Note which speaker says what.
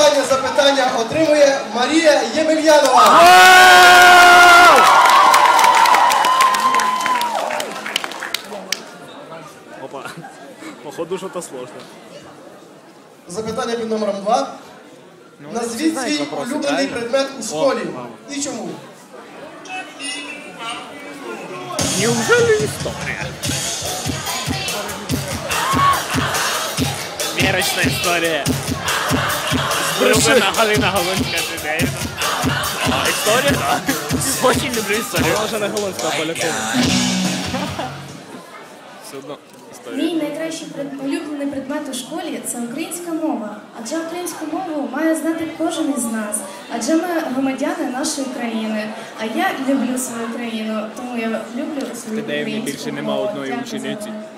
Speaker 1: останнє запитання отримує Марія Ємельянова.
Speaker 2: Опа, походу что-то сложно.
Speaker 1: Запитання під номером 2. Назвіть свій улюблений предмет у школі. І чому?
Speaker 2: Неужели история? Мерочная история. Сбрюгана Галина Голунська. История, да. Очень люблю историю. Она уже на Голунська полякова. Все одно історія.
Speaker 3: Мій найкращий улюблений предмет у школі – це українська мова. Адже українську мову має знати кожен із нас. Адже ми громадяни нашої країни. А я люблю свою країну, тому я люблю свою українську мову.
Speaker 2: Більше нема одної
Speaker 3: Дякую за
Speaker 2: учениці.
Speaker 3: мене.